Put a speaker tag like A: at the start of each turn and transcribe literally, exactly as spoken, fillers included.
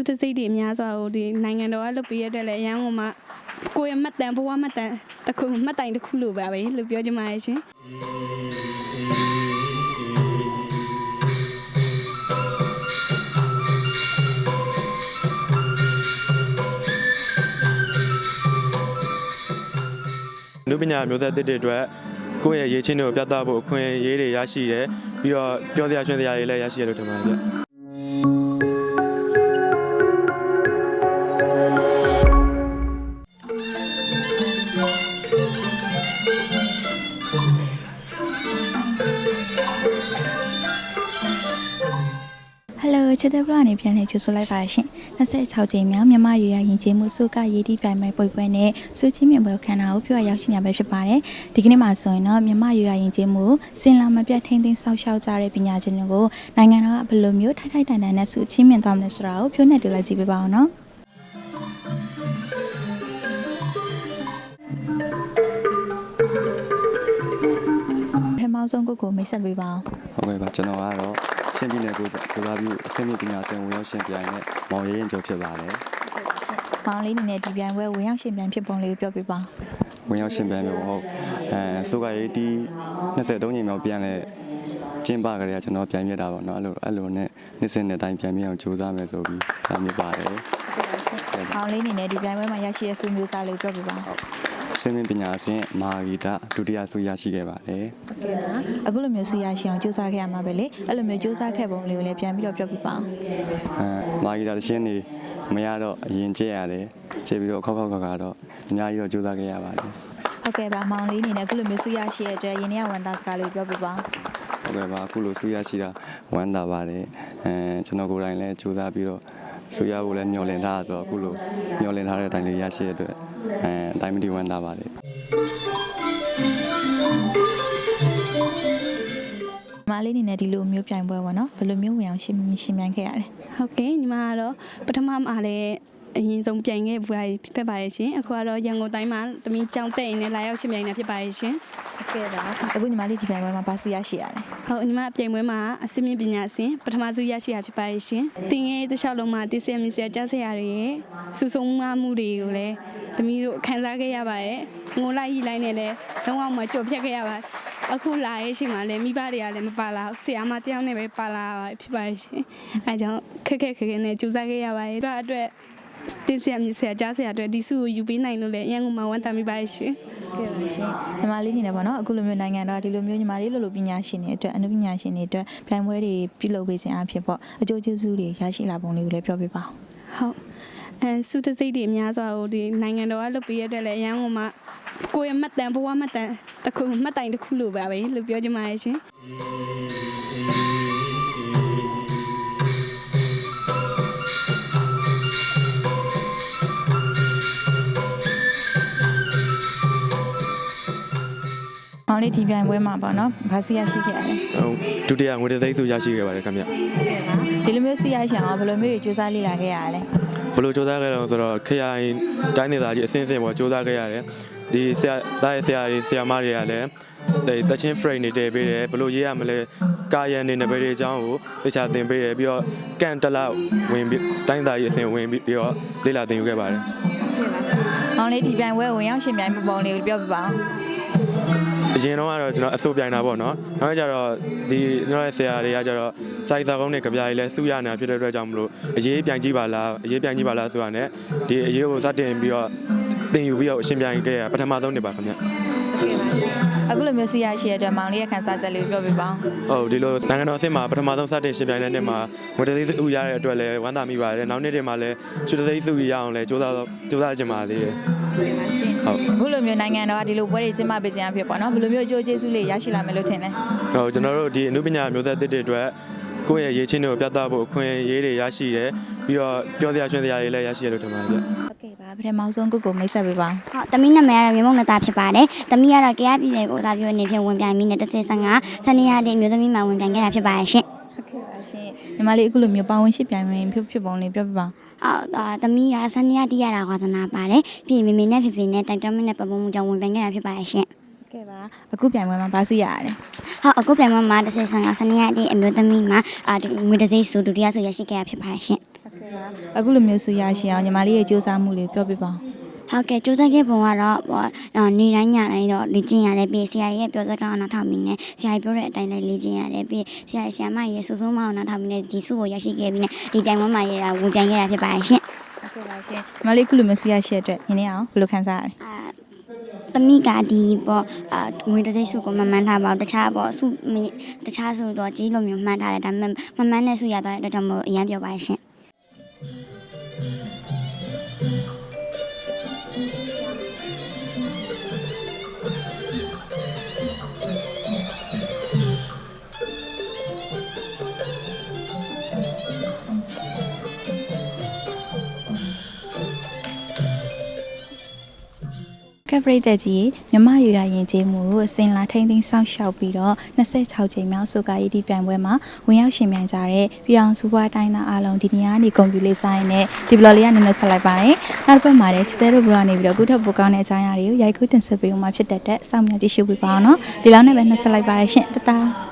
A: တစိတ်တွေအများစွာကိုဒီနိုင်ငံတော်ကလုပ်ပေးရတဲ့လည်းအရန်ကမှကိုယ့်ရဲ့မှတ်တမ်းဘဝမှတ်တမ်းတစ်ခုမှတ်တိုင်တစ်ခုလိုပါပဲလို့ပြောချင်ပါတယ်ရှင်
B: နုပညာမျိုးဆက်သစ်တွေအတွက်ကိုယ့်ရဲ့ရေးချင်းတွေကိုပြသဖို့အခွင့်အရေးတွေရရှိတယ်ပြီးတော့ပြောစရာရွှင်စရာတွေလည်းရရှိရလို့ထင်ပါတယ်ဗျ
C: ဟယ်လိုချစ်တဲ့ဘလော့အနေပြန်နေချူဆိုလိုက်ပါရှင်နှစ်ဆ၆ကြိမ်မြောက်မြန်မာရွေရရင်ကျေးမှုစုကရေးတီးပြိုင်ပွဲပွဲပွဲနဲ့စုချင်းမြင်ပွဲခန်းနာကိုပြောရရောက်ရှိနေပဲဖြစ်ပါတယ်ဒီကနေ့မှာဆိုရင်တော့မြန်မာရွေရရင်ကျေးမှုစင်လာမပြတ်ထိန်းသိမ်းဆောက်ရှောက်ကြတဲ့ပညာရှင်တွေကိုနိုင်ငံတော်ကဘယ်လိုမျိုးထိုက်ထိုက်တန်တန်နဲ့စုချင်းမြင်သွားမလဲဆိုတာကိုပြောနေတူလိုက်ကြည့်ပေးပါအောင်နော်ပထမဆုံးကိုကိုမိတ်ဆက်ပေးပါအောင်
D: ဟုတ်ကဲ့ပါကျွန်တော်ကတော့ချင်းပြည်နယ်ကိုကိုလာပြီးအစင်းမြင့်ပညာရှင်ဝင်ရောက်ရှင်ပြိုင်နဲ့မောင်ရဲရင်ကျော်ဖြစ်ပါတယ်
C: ။မောင်လေးအနေနဲ့ဒီပြိုင်ပွဲဝင်ရောက်ရှင်ပြိုင်ဖြစ်ပုံလေးကိုပြောပြပါ
D: ။ဝင်ရောက်ရှင်ပြိုင်မျိုးဟုတ်အဲဆိုကရေးတီနှစ်ဆယ်သုံးကြိမ်မြောက်ပြန်လဲကျင်းပကြရကျွန်တော်ပြန်ပြတာပေါ့နော်အဲ့လိုအဲ့လိုနဲ့နှစ်စဉ်နှစ်တိုင်းပြန်ပြအောင်ကြိုးစားမယ်ဆိုပြီးဒါမျိုးပါတယ်
C: ။မောင်လေးအနေနဲ့ဒီပြိုင်ပွဲမှာရရှိတဲ့ဆုမျိုးစားလေးကိုပြောပြပါ။
D: စင်းမြင့်ပညာရှင်မာဂီတာဒုတိယဆုရရှိခဲ့ပါတယ်
C: ။ဟုတ်ကဲ့ပါ။အခုလိုမျိုးဆုရရှိအောင်ကြိုးစားခဲ့ရမှာပဲလေ။အဲ့လိုမျိုးကြိုးစားခဲ့ပုံလေးကိုလည်းပြန်ပြီးတော့ပြောပြပါအောင်
D: ။အဲမာဂီတာတခြင်းနေမရတော့အရင်ကျက်ရတယ်။ကျက်ပြီးတော့ခောက်ခောက်ခါကတော့အများကြီးတော့ကြိုးစားခဲ့ရပါတယ်
C: ။ဟုတ်ကဲ့ပါမောင်လေးအနေနဲ့အခုလိုမျိုးဆုရရှိရတဲ့အတွက်ရင်းနှီးဝန်သားစကားလေးပြောပြပါ
D: ။ဟုတ်ကဲ့ပါအခုလိုဆုရရှိတာဝမ်းသာပါတယ်။အဲကျွန်တော်ကိုယ်တိုင်လည်းကြိုးစားပြီးတော့ဆူရဖို့လည်းမျှော်လင့်ထားဆိုတော့အခုလိုမျှော်လင့်ထားတဲ့အတိုင်းလေးရရှိရတဲ့အတွက်အဲအတိုင်းမတီဝမ်းသာပါတယ်
C: မလေးနေနဲ့ဒီလိုမျိုးပြိုင်ပွဲပေါ့နော်ဘယ်လိုမျိုးဝင်အောင်ရှင်းရှင်းပြခဲ့ရလဲ
A: ဟုတ်ကဲ့ညီမကတော့ပထမမှာလည်းအရင်ဆုံးပြိုင်ခဲ့ဘူးလားဖြစ်ပါရဲ့ရှင်အခုကတော့ရန်ကုန်တိုင်းမှာတမီးကြောင်းတက်ရင်လည်းလာရောက်ရှင်ပြိုင်နေဖြစ်ပါရဲ့ရှင်
C: ဟုတ်ကဲ့ပါအခုညီမလေးဒီပြိုင်ပွဲမှာပါစုရရှိရတယ်
A: ဟုတ်ညီမပြိုင်ပွဲမှာအစင်းမြင့်ပညာရှင်ပထမစုရရှိရဖြစ်ပါရဲ့ရှင်တင်ငယ်တစ်လျှောက်လုံးမှာတည်ဆရာမြဆရာကြားဆရာတွေရဲ့စူဆုံးမှုတွေကိုလည်းတမီးတို့ခန်းစားခဲ့ရပါရဲ့ငိုလိုက်ရီလိုက်နဲ့လည်းလုံးဝမကြော်ဖြတ်ခဲ့ရပါအခုလာရဲ့ရှင်မှာလည်းမိဘတွေကလည်းမပါလာဆရာမတယောက်နဲ့ပဲပါလာဖြစ်ပါရဲ့ရှင်အဲကြောင့်ခက်ခက်ခက်ခက်နဲ့ကြိုးစားခဲ့ရပါရဲ့အတွက်အတွက်တင်ဆရာမြဆရာကြားဆရာအတွက်ဒီစုကိုယူပေးနိုင်လို့လည်းအရင်ကမှဝမ်းသာမိပါရဲ့ရှင်
C: ကဲပါရှင်ညီမလေးနေတယ်ပေါ့နော်အခုလိုမျိုးနိုင်ငံတော်ဒီလိုမျိုးညီမလေးလိုလိုပညာရှင်တွေအတွက်အနုပညာရှင်တွေအတွက်ပြိုင်ပွဲတွေပြုလုပ်ပေးခြင်းအဖြစ်ပေါ့အကျိုးကျေးဇူးတွေရရှိလာပုံလေးကိုလည်းပြောပြပါ
A: ဟုတ်အဲစုတစိတ်တွေအများစွာကိုဒီနိုင်ငံတော်ကလုပ်ပေးရတဲ့လည်းအရန်ကမှကိုယ့်ရဲ့မှတ်တမ်းဘဝမှတ်တမ်းတစ်ခုမှတ်တိုင်တစ်ခုလိုပါပဲလို့ပြောချင်ပါတယ်ရှင်
C: မောင်လေးဒီပြိုင်ပွဲမှာပေါ့နော်ဘာစီရရှိခဲ့ရလဲ
B: ဟုတ်ဒုတိယငွေတစ်သိန်းစုရရှိခဲ့ပါတယ်ခင်ဗျ
C: ဒီလိုမျိုးစီရရှိအောင်ဘယ်လိုမျိုးကြိုးစားလေ့လာခဲ့ရလဲ
B: ဘယ်လိုကြိုးစားခဲ့လဲဆိုတော့ခရိုင်တိုင်းဒေသကြီးအစင်းစင်ပေါ်ကြိုးစားခဲ့ရတယ်ဒီဆရာတိုင်းဆရာတွေဆရာမတွေကလည်းတချင်း frame တွေတည်ပေးတယ်ဘယ်လိုရေးရမလဲကာယံနေနယ်ပယ်တွေအကြောင်းကိုတခြားသင်ပေးတယ်ပြီးတော့ကန်တလောက်ဝင်ပြီးတိုင်းဒေသကြီးအစင်ဝင်ပြီးပြီးတော့လေ့လာသင်ယူခဲ့ပါတယ်
C: မောင်လေးဒီပြိုင်ပွဲဝင်ရောက်ရှင်ပြိုင်ပုံလေးကိုပြောပြပါဦး
B: အရင်တော့ကတော့ကျွန်တော်အစိုးပြိုင်တာပေါ့နော်နောက်ကျတော့ဒီကျွန်တော်ရဲ့ဆရာတွေကကျတော့စိုက်စာကုန်းနဲ့ကြပြားကြီးလဲစုရနေတာဖြစ်တဲ့အတွက်ကြောင့်မလို့အရေးပြိုင်ကြည့်ပါလားအရေးပြိုင်ကြည့်ပါလားဆိုတာနဲ့ဒီအရေးကိုစတင်ပြီးတော့သင်ယူပြီးတော့အရှင်ပြိုင်ခဲ့ရပထမဆုံးနေပါခင်ဗျ
C: အခုလိုမျိုးစီရရှိရတဲ့မောင်လေးရဲ့ခန်းစားချက်လေးပြောပြပါ
B: ဦးဟုတ်ဒီလိုနိုင်ငံတော်အဆင့်မှာပထမဆုံးစတင်ရှင်ပြိုင်တဲ့နေ့မှာဝတ်သေးစုရတဲ့အတွက်လည်းဝမ်းသာမိပါတယ်နောက်နေ့တွေမှာလည်းချွတ်သေးစုရအောင်လည်းစူးစမ်းစူးစမ်းကြပါသေးတယ်
C: ဟုတ်အခုလိုမျိုးနိုင်ငံတော်ကဒီလိုပွဲတွေကျင်းပပေးခြင်းအဖြစ်ပေါ့နော်ဘယ်လိုမျိုးအကျိုးကျေးဇူးလေးရရှိလာမယ်လို့ထင်လဲ
B: ဟုတ်ကျွန်တော်တို့ဒီအနုပညာမျိုးဆက်သစ်တွေအတွက်ကိုယ့်ရဲ့ရေးချင်းတွေကိုပြသဖို့အခွင့်အရေးတွေရရှိတယ်ပြီးတော့ပြောစရာရွှင်စရာတွေလည်းရရှိရလို့ထင်ပါတယ်ဗျ
C: ဟုတ်ကဲ့ပါပထမဆုံးကိုကိုမိတ်ဆက်ပေးပါ
E: ဟုတ်တမီးနာမည်ကတော့မြေမုံနတာဖြစ်ပါတယ်တမီးကတော့ကြရပြည်နယ်ကိုစားပြအနေဖြင့်ဝင်ပြိုင်ပြီးနဲ့တစ်ဆယ်ဆန်းကစနေရက်နေ့မျိုးသမီးမှဝင်ပြိုင်ခဲ့တာဖြစ်ပါတယ်ရှင်
C: ဟုတ်ကဲ့ပါရှင်ညီမလေးအခုလိုမျိုးပါဝင်ရှစ်ပြိုင်ဝင်ဖြစ်ဖြစ်ပုံလေးပြောပြပါ
E: အော်တမီးကစနေရက်တရတာဝါသနာပါတယ်ပြီးရင်မေမေနဲ့ဖေဖေနဲ့တိုက်တွန်းမနဲ့ပတ်ပုံမှုကြောင့်ဝင်ပြိုင်ခဲ့တာဖြစ်ပါတယ်ရှင်
C: ကဲပါအခုပြိုင်ပွဲမှာပါစီရတယ်
E: ဟုတ်အခုပြိုင်ပွဲမှာတစ်ဆယ်ဆန်းကစနေရက်နေ့အမျိုးသမီးမှာအာငွေတစ်စိတ်စုဒုတိယစုရရှိခဲ့တာဖြစ်ပါတယ်ရှင်
C: ဟုတ်ကဲ့ပါအခုလိုမျိုးဆူရရှိအောင်ညီမလေးရဲ့စူးစမ်းမှုလေးပြောပြပါဦး
E: ဟုတ်ကဲ့ကြိုးစားခဲ့ပုံကတော့ပေါ့နေတိုင်းညတိုင်းတော့လေ့ကျင့်ရတယ်ပြီးဆရာကြီးရဲ့ပြောစကားကိုနားထောင်ပြီးနဲ့ဆရာကြီးပြောတဲ့အတိုင်းလည်းလေ့ကျင့်ရတယ်ပြီးဆရာကြီးဆရာမကြီးရဲ့စိုးစိုးမအောင်နားထောင်ပြီးနဲ့ဒီစုကိုရရှိခဲ့ပြီးနဲ့ဒီပြိုင်ပွဲမှာရတာဝင်ပြိုင်ခဲ့တာဖြစ်ပါတယ်ရှင်
C: ဟုတ်ကဲ့ပါရှင်ညီမလေးအခုလိုမျိုးဆူရရှိတဲ့အတွက်ညီနေအောင်ဘယ်လိုခံစားရလဲ
E: အာတမိကဒီပေါ့အာငွေတစ်စိတ်စုကိုမမှန်းထားပါဘူးတခြားပေါ့စုတခြားစုတော့ကြီးလိုမျိုးမှန်းထားတယ်ဒါပေမဲ့မမှန်းတဲ့စုရသွားတဲ့အတွက်ကြောင့်မို့အရင်ပြောပါရှင်
C: ကပ်ပရိသတ်ကြီးမြမရွာရင်ကျေးမှုကိုအစင်လာထိန်းသိမ်းစောင့်ရှောက်ပြီးတော့နှစ်၆ကြိမ်မြောက်ဆိုကာရီဒီပြိုင်ပွဲမှာဝင်ရောက်ရှင်ပြိုင်ကြတဲ့ပြည်အောင်စုဘွားတိုင်းသားအားလုံးဒီနေ့ကနေကွန်ပျူတာဆိုင်နဲ့ဒီဘလော်လေးကနေနဲ့ဆက်လိုက်ပါတယ်။နောက်တစ်ပတ်မှာလည်းချစ်တဲ့တို့ဘလော်နေပြီးတော့ကုထပ်ပိုကောင်းတဲ့အကြောင်းအရာတွေကိုရိုက်ကူးတင်ဆက်ပေးဦးမှာဖြစ်တဲ့အတွက်စောင့်မျှော်ကြည့်ရှုပေးပါအောင်နော်။ဒီလောက်နဲ့ပဲနှက်ဆက်လိုက်ပါရရှင်တတား